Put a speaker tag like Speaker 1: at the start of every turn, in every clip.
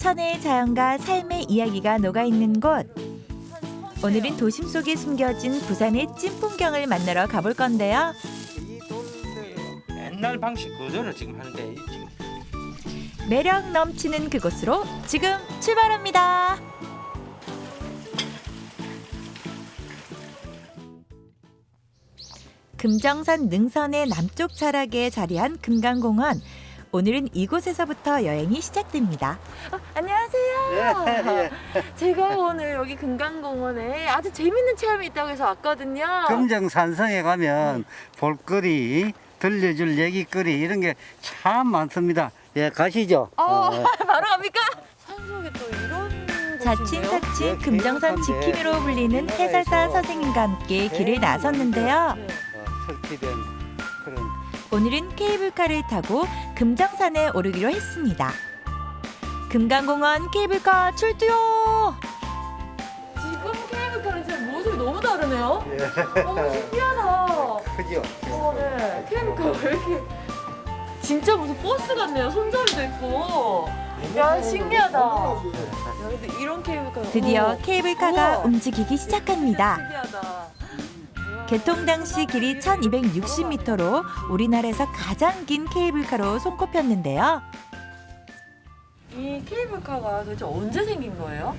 Speaker 1: 천혜의 자연과 삶의 이야기가 녹아있는 곳. 오늘은 도심 속에 숨겨진 부산의 찐 풍경을 만나러 가볼 건데요.
Speaker 2: 이 돌들 옛날 방식 그대로 지금 하는데 지금
Speaker 1: 매력 넘치는 그곳으로 지금 출발합니다. 금정산 능선의 남쪽 자락에 자리한 금강공원. 오늘은 이곳에서부터 여행이 시작됩니다.
Speaker 3: 안녕하세요. 제가 오늘 여기 금강공원에 아주 재밌는 체험이 있다고 해서 왔거든요.
Speaker 4: 금정산성에 가면 볼거리, 들려줄 얘기거리 이런 게 참 많습니다. 예, 가시죠.
Speaker 3: 바로 갑니까? 산속에 또 이런
Speaker 1: 자친사친 금정산 지킴이로 불리는 해설사 선생님과 함께 길을 나섰는데요.
Speaker 4: 설치된 그런
Speaker 1: 오늘은 케이블카를 타고 금정산에 오르기로 했습니다. 금강공원 케이블카 출두요!
Speaker 3: 지금 케이블카는 진짜 모습이 너무 다르네요. 너무 신기하다.
Speaker 4: 크죠.
Speaker 3: 네. 케이블카 왜 이렇게 진짜 무슨 버스 같네요. 손잡이도 있고. 야, 신기하다. 야, 근데 이런 케이블카
Speaker 1: 드디어 케이블카가
Speaker 3: 우와.
Speaker 1: 움직이기 시작합니다.
Speaker 3: 신기하다.
Speaker 1: 개통 당시 길이 1260m로 우리나라에서 가장 긴 케이블카로 손꼽혔는데요.
Speaker 3: 이 케이블카가 도대체 언제 생긴 거예요?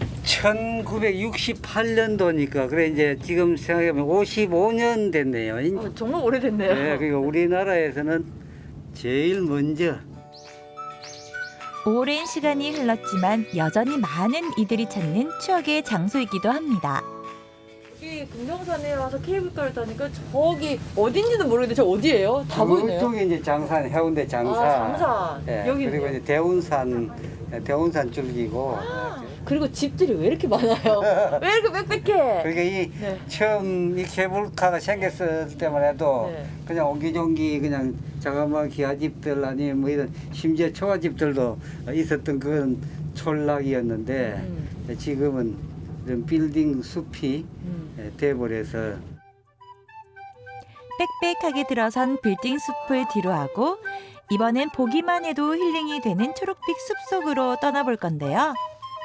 Speaker 4: 1968년도니까 그래 이제 지금 생각해보면 55년 됐네요.
Speaker 3: 정말 오래됐네요.
Speaker 4: 네, 그러니까 우리나라에서는 제일 먼저
Speaker 1: 오랜 시간이 흘렀지만 여전히 많은 이들이 찾는 추억의 장소이기도 합니다.
Speaker 3: 여기 금정산에 와서 케이블카를 타니까 저기 어딘지는 모르겠는데 저 어디예요? 다 보이네요.
Speaker 4: 그쪽에 이제 장산, 해운대 장산.
Speaker 3: 장산.
Speaker 4: 예,
Speaker 3: 여기
Speaker 4: 그리고 이제 대운산 줄기고.
Speaker 3: 그리고 집들이 왜 이렇게 많아요? 왜 이렇게 빽빽해?
Speaker 4: 그러니까 이
Speaker 3: 네.
Speaker 4: 처음 이 케이블카가 생겼을 때만 해도
Speaker 3: 네.
Speaker 4: 그냥 옹기종기 그냥 자그마한 기아집들 아니면 뭐 이런 심지어 초가집들도 있었던 그런 촌락이었는데 지금은 이런 빌딩 숲이 돼버려서
Speaker 1: 빽빽하게 들어선 빌딩 숲을 뒤로하고 이번엔 보기만 해도 힐링이 되는 초록빛 숲속으로 떠나볼 건데요.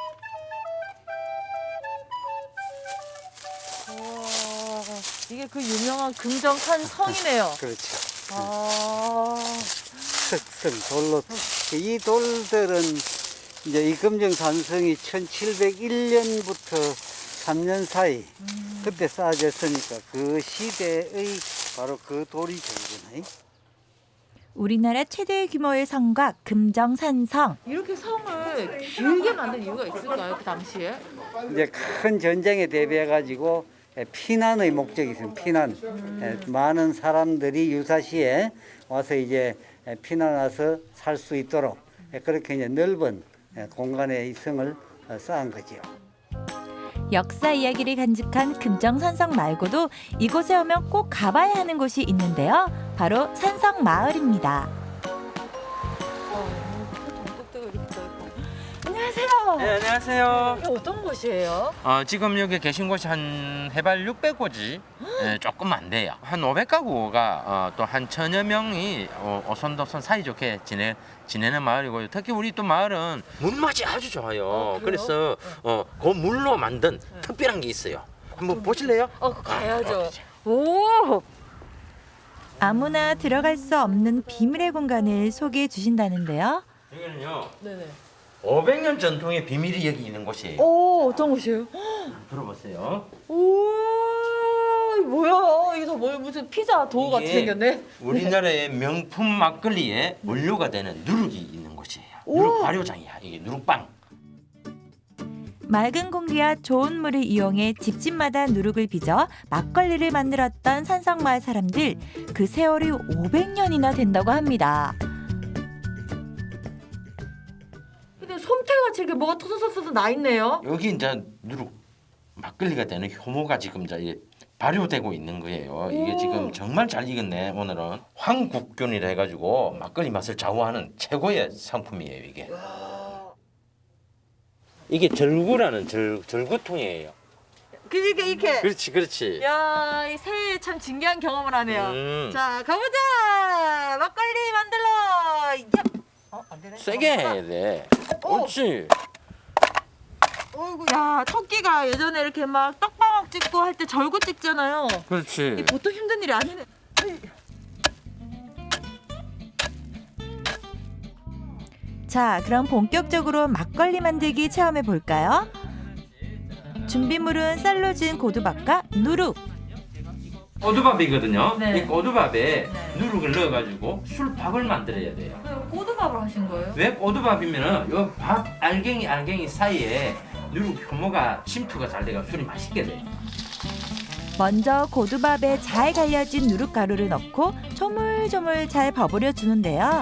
Speaker 3: 이게 그 유명한 금정산 성이네요.
Speaker 4: 그렇죠.
Speaker 3: 아,
Speaker 4: 돌로 이 돌들은 이제 이 금정산성이 1701년부터 3년 사이 그때 쌓아졌으니까 그 시대의 바로 그 돌이 되잖아요.
Speaker 1: 우리나라 최대 규모의 성곽 금정산성.
Speaker 3: 이렇게 성을 길게 만든 이유가 있을까요? 그 당시에?
Speaker 4: 이제 큰 전쟁에 대비해 가지고 피난의 목적이 있습니다. 피난. 많은 사람들이 유사시에 와서 이제 피난 와서 살 수 있도록 그렇게 이제 넓은 공간에 이 성을 쌓은 거죠.
Speaker 1: 역사 이야기를 간직한 금정산성 말고도 이곳에 오면 꼭 가봐야 하는 곳이 있는데요. 바로 산성마을입니다.
Speaker 3: 안녕하세요.
Speaker 2: 네, 안녕하세요.
Speaker 3: 이게 어떤 곳이에요?
Speaker 2: 지금 여기 계신 곳이 한 해발 600고지 조금 안 돼요. 한 500가구가 또 한 1000여 명이 오손도손 사이좋게 지내는 마을이고요. 특히 우리 또 마을은 물맛이 아주 좋아요. 그래서 그 물로 만든 특별한 게 있어요. 한번 보실래요?
Speaker 3: 가야죠. 오!
Speaker 1: 아무나 들어갈 수 없는 비밀의 공간을 소개해 주신다는데요.
Speaker 2: 여기는요.
Speaker 3: 네네.
Speaker 2: 500년 전통의 비밀이 여기 있는 곳이에요.
Speaker 3: 오, 어떤 곳이에요?
Speaker 2: 들어보세요.
Speaker 3: 오, 이거 뭐야? 이게 다 뭐야? 무슨 피자 도우 같이
Speaker 2: 이게
Speaker 3: 생겼네?
Speaker 2: 우리나라의 명품 막걸리에 원료가 되는 누룩이 있는 곳이에요. 누룩 발효장이야. 이게 누룩빵.
Speaker 1: 맑은 공기와 좋은 물을 이용해 집집마다 누룩을 빚어 막걸리를 만들었던 산성마을 사람들. 그 세월이 500년이나 된다고 합니다.
Speaker 3: 근데 솜태같이 이렇게 뭐가 터서서서 나 있네요.
Speaker 2: 여기 이제 누룩 막걸리가 되는 효모가 지금 이제 발효되고 있는 거예요. 이게 지금 정말 잘 익었네. 오늘은 황국균이라 해가지고 막걸리 맛을 좌우하는 최고의 상품이에요. 이게 절구라는 절구통이에요.
Speaker 3: 이렇게.
Speaker 2: 그렇지.
Speaker 3: 야, 이 새해 참 진기한 경험을 하네요.
Speaker 2: 음.
Speaker 3: 자, 가보자. 막걸리 만들러. 야. 안
Speaker 2: 세게 해야 돼. 옳지.
Speaker 3: 어이구, 야, 토끼가 예전에 이렇게 막 떡방학 찍고 할 때 절구 찍잖아요.
Speaker 2: 그렇지.
Speaker 3: 이 보통 힘든 일이 아니네.
Speaker 1: 자, 그럼 본격적으로 막걸리 만들기 체험해 볼까요? 준비물은 쌀로 지은 고두밥과 누룩.
Speaker 2: 꼬두밥이거든요.
Speaker 3: 네.
Speaker 2: 이 꼬두밥에
Speaker 3: 네.
Speaker 2: 누룩을 넣어가지고 술밥을 만들어야 돼요.
Speaker 3: 꼬두밥을 하신 거예요?
Speaker 2: 왜 꼬두밥이면은 요 밥 알갱이 사이에 누룩 효모가 침투가 잘 돼가 술이 맛있게 돼.
Speaker 1: 먼저 고두밥에 잘 갈려진 누룩가루를 넣고 조물조물 잘 버무려 주는데요.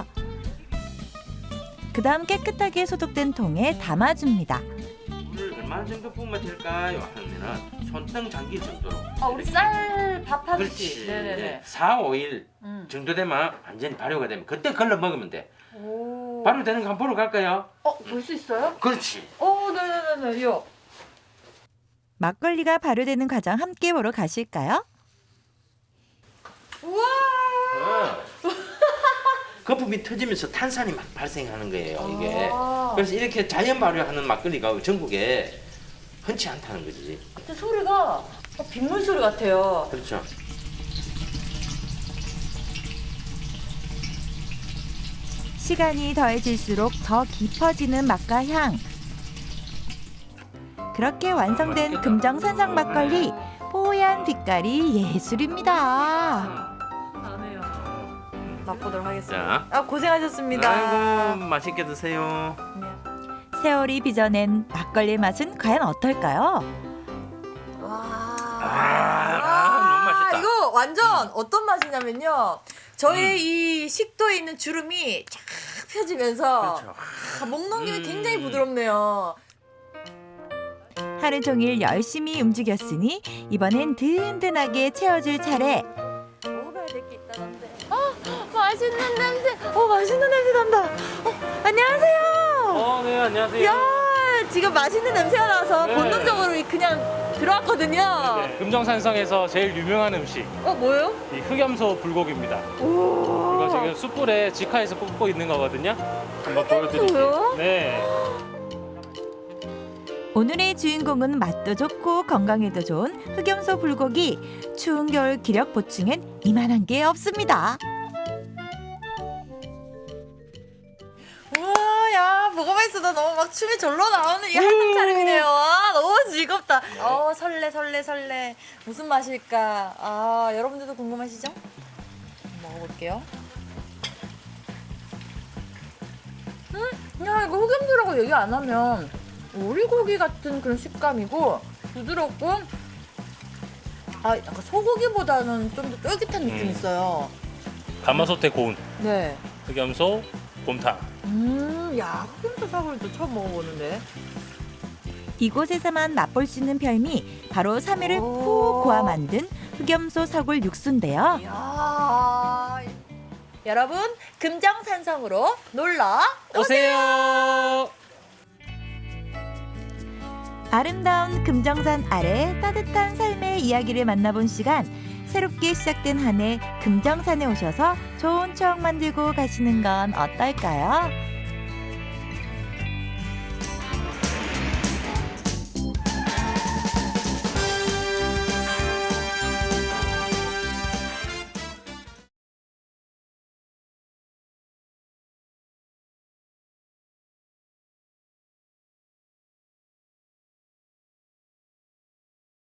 Speaker 1: 그다음 깨끗하게 소독된 통에 담아줍니다.
Speaker 2: 물을 얼마 정도 부으면 될까요? 하면은 손등 잠길 정도로.
Speaker 3: 아, 우리 쌀 밥 하듯이.
Speaker 2: 그렇지.
Speaker 3: 네네네.
Speaker 2: 4, 5일 정도 되면 완전히 발효가 되면 그때 걸러 먹으면 돼.
Speaker 3: 오.
Speaker 2: 발효되는 거 한번 보러 갈까요?
Speaker 3: 볼 수 있어요?
Speaker 2: 그렇지.
Speaker 3: 네네네네. 요.
Speaker 1: 막걸리가 발효되는 과정 함께 보러 가실까요?
Speaker 3: 우와.
Speaker 2: 거품이 터지면서 탄산이 막 발생하는 거예요, 이게.
Speaker 3: 아.
Speaker 2: 그래서 이렇게 자연 발효하는 막걸리가 전국에 흔치 않다는 거지.
Speaker 3: 근데 소리가 빗물 소리 같아요.
Speaker 2: 그렇죠.
Speaker 1: 시간이 더해질수록 더 깊어지는 맛과 향. 그렇게 완성된 금정산성 막걸리, 뽀얀 빛깔이 예술입니다.
Speaker 3: 나네요. 맛보도록 하겠습니다.
Speaker 2: 자.
Speaker 3: 고생하셨습니다.
Speaker 2: 아이고, 맛있게 드세요.
Speaker 1: 세월이 빚어낸 막걸리 맛은 과연 어떨까요?
Speaker 2: 너무 맛있다.
Speaker 3: 이거 완전 어떤 맛이냐면요. 저의 이 식도에 있는 주름이 쫙 펴지면서
Speaker 2: 그렇죠.
Speaker 3: 목 넘김이 굉장히 부드럽네요.
Speaker 1: 하루 종일 열심히 움직였으니 이번엔 든든하게 채워줄 차례.
Speaker 3: 먹어봐야 될 게 있다던데. 맛있는 냄새. 맛있는 냄새 난다. 안녕하세요.
Speaker 5: 네, 안녕하세요.
Speaker 3: 야, 지금 맛있는 냄새가 나서
Speaker 5: 네.
Speaker 3: 본능적으로 그냥 들어왔거든요.
Speaker 5: 네, 금정산성에서 제일 유명한 음식,
Speaker 3: 뭐예요?
Speaker 5: 이 흑염소 불고기입니다. 이거 지금 숯불에 직화해서 굽고 있는 거거든요. 한번 보여드릴게요.
Speaker 3: 흑염소요?
Speaker 5: 네.
Speaker 1: 오늘의 주인공은 맛도 좋고 건강에도 좋은 흑염소 불고기. 추운 겨울 기력 보충엔 이만한 게 없습니다.
Speaker 3: 우와, 야, 보고만 있어도 너무 막 춤이 절로 나오는 이 한상 차림이네요. 너무 즐겁다. 설레. 무슨 맛일까? 여러분들도 궁금하시죠? 먹어볼게요. 야, 이거 흑염소라고 얘기 안 하면 오리고기 같은 그런 식감이고 부드럽고 약간 소고기보다는 좀 더 쫄깃한 느낌이 있어요.
Speaker 5: 가마솥에 고운
Speaker 3: 네.
Speaker 5: 흑염소 곰탕.
Speaker 3: 야, 흑염소 사골도 처음 먹어보는데.
Speaker 1: 이곳에서만 맛볼 수 있는 별미 바로 3일을
Speaker 3: 오.
Speaker 1: 푹 고아 만든 흑염소 사골 육수인데요.
Speaker 3: 이야. 여러분, 금정산성으로 놀러
Speaker 5: 오세요.
Speaker 1: 아름다운 금정산 아래 따뜻한 삶의 이야기를 만나본 시간. 새롭게 시작된 한 해 금정산에 오셔서 좋은 추억 만들고 가시는 건 어떨까요?